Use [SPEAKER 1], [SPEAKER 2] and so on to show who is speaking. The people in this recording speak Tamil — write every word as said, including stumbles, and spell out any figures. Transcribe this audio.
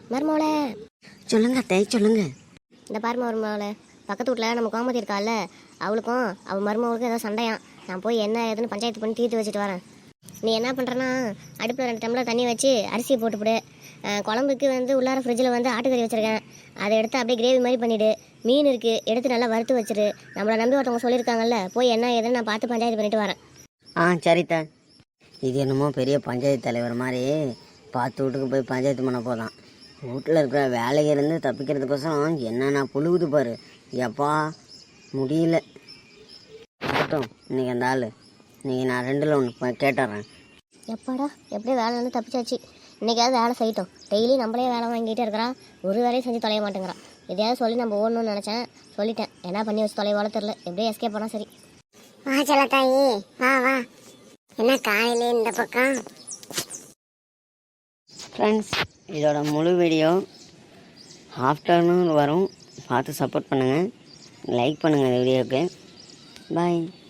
[SPEAKER 1] மருமோளே
[SPEAKER 2] சொல்லுங்க அத்தை, சொல்லுங்க.
[SPEAKER 1] இந்த பாரு மருமோளே, பக்கத்து வீட்டில் நம்ம கோமதி இருக்கால, அவளுக்கும் அவள் மருமகளுக்கும் ஏதோ சண்டையான். நான் போய் என்ன ஏதுன்னு பஞ்சாயத்து பண்ணி தீர்த்து வச்சுட்டு வரேன். நீ என்ன பண்ணுறன்னா, அடுப்பில் ரெண்டு டம்ளர் தண்ணி வச்சு அரிசியை போட்டுவிடு. குழம்புக்கு வந்து உள்ளார ஃப்ரிட்ஜில் வந்து ஆட்டுக்கறி வச்சுருக்கேன், அதை எடுத்து அப்படியே கிரேவி மாதிரி பண்ணிவிடு. மீன் இருக்குது, எடுத்து நல்லா வறுத்து வச்சிரு. நம்மளை நம்பி ஒருத்தவங்க சொல்லியிருக்காங்கல்ல, போய் என்ன ஏதுன்னு நான் பார்த்து பஞ்சாயத்து பண்ணிட்டு வரேன்.
[SPEAKER 2] ஆ சரித்த. இது என்னமோ பெரிய பஞ்சாயத்து தலைவர் மாதிரி பார்த்து வீட்டுக்கு போய் பஞ்சாயத்து பண்ண போதான். வீட்டில் இருக்கிற வேலையிலேருந்து தப்பிக்கிறதுக்கோசரம் என்னென்ன புழுகுது பாரு. எப்பா முடியல. இருக்கட்டும், இன்றைக்கி அந்த ஆள் இன்றைக்கி நான் ரெண்டில் ஒன்று கேட்டுறேன்.
[SPEAKER 1] எப்பாடா எப்படியோ வேலை வந்து தப்பிச்சாச்சு. இன்றைக்காவது வேலை செய்யட்டும். டெய்லி நம்மளே வேலை வாங்கிட்டே இருக்கிறான், ஒரு வேலையும் செஞ்சு தொலைய மாட்டேங்கிறான். எதையாவது சொல்லி நம்ம ஓடணும்னு நினச்சேன், சொல்லிட்டேன். என்ன பண்ணி வச்சு தொலைவால தெரில, எப்படியோ எஸ்கேப் பண்ணால் சரி.
[SPEAKER 3] வா செல்லத்தாயி, வா வா. என்ன காலையிலே இந்த பக்கம்?
[SPEAKER 2] ஃப்ரெண்ட்ஸ், இதோட முழு வீடியோ ஆஃப்டர்நூன் வரும், பார்த்து சப்போர்ட் பண்ணுங்கள், லைக் பண்ணுங்கள் இந்த வீடியோவுக்கு. பாய்.